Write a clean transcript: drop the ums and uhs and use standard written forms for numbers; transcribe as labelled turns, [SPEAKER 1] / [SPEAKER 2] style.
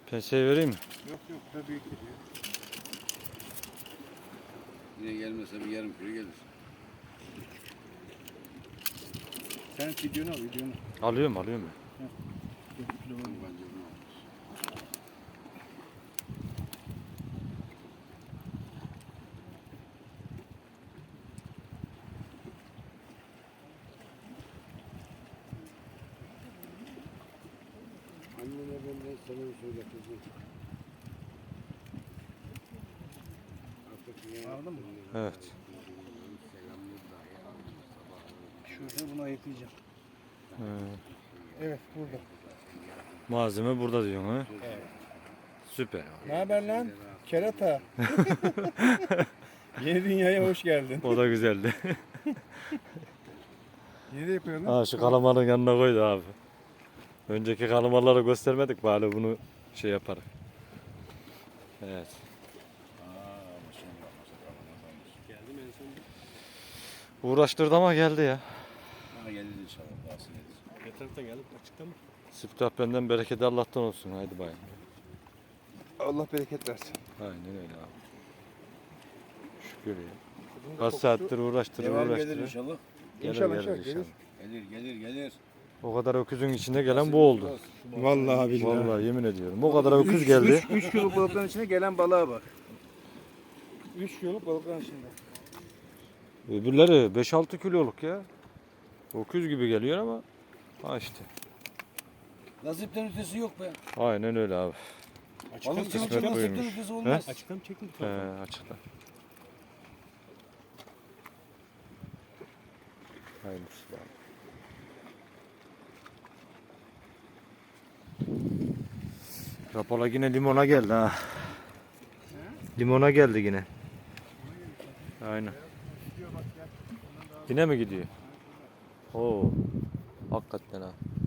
[SPEAKER 1] Penseyi vereyim mi?
[SPEAKER 2] Yok yok, da büyük gidiyor.
[SPEAKER 3] Yine gelmese bir yarım kilo gelir.
[SPEAKER 2] Sen videonu al, videonu.
[SPEAKER 1] Alıyorum ben.
[SPEAKER 2] Kilo var.
[SPEAKER 3] Bence bunu almış. Annene benden selam söyle kızım. Artık ne
[SPEAKER 2] Aldın mı?
[SPEAKER 1] Evet.
[SPEAKER 3] selamını dahi almıyor sabahları.
[SPEAKER 2] Şurada bunu ayıklayacağım.
[SPEAKER 1] He.
[SPEAKER 2] Evet, burada.
[SPEAKER 1] Malzeme burada diyorsun ha?
[SPEAKER 2] Evet.
[SPEAKER 1] Süper.
[SPEAKER 2] Ne haber lan? Kerata. Yeni dünyaya hoş geldin.
[SPEAKER 1] O da güzeldi.
[SPEAKER 2] Nereye yapıyorsun?
[SPEAKER 1] Ha şu kalamarın yanına koydu abi. Önceki kalamarları göstermedik bari bunu şey yaparız. Evet.
[SPEAKER 3] Geldim en son.
[SPEAKER 1] Uğraştırdı ama geldi ya.
[SPEAKER 3] Ha gelir inşallah. Daha gelir.
[SPEAKER 2] Ne tarafta geldik? Açıkta mı?
[SPEAKER 1] Siftah benden bereket Allah'tan olsun. Haydi bayım.
[SPEAKER 2] Allah bereket versin.
[SPEAKER 1] Aynen öyle abi. Şükür ya. Kaç saattir uğraştırır
[SPEAKER 3] Devam gelir
[SPEAKER 1] uğraştırır.
[SPEAKER 3] inşallah.
[SPEAKER 2] İnşallah gelir.
[SPEAKER 3] Gelir.
[SPEAKER 1] O kadar öküzün içinde gelen bu oldu.
[SPEAKER 2] Vallahi billahi.
[SPEAKER 1] Vallahi yemin ediyorum. O kadar öküz geldi.
[SPEAKER 2] 3 kiloluk balıkların içine gelen balığa bak. 3 kiloluk balıkların içinde.
[SPEAKER 1] Öbürleri 5-6 kiloluk ya. Öküz gibi geliyor ama ha işte.
[SPEAKER 3] Nasipten ötesi yok be.
[SPEAKER 1] Aynen öyle abi.
[SPEAKER 3] Balıkçılıkta
[SPEAKER 1] kısmet
[SPEAKER 3] nasipten
[SPEAKER 1] buymuş.
[SPEAKER 3] ötesi olmaz.
[SPEAKER 2] Açıkta mı çektin?
[SPEAKER 1] Açıkta. Hayırlısı bakalım. Rapola yine limona geldi ha. Limona geldi yine. Aynen. Yine mi gidiyor? Oo. Hakikaten ha.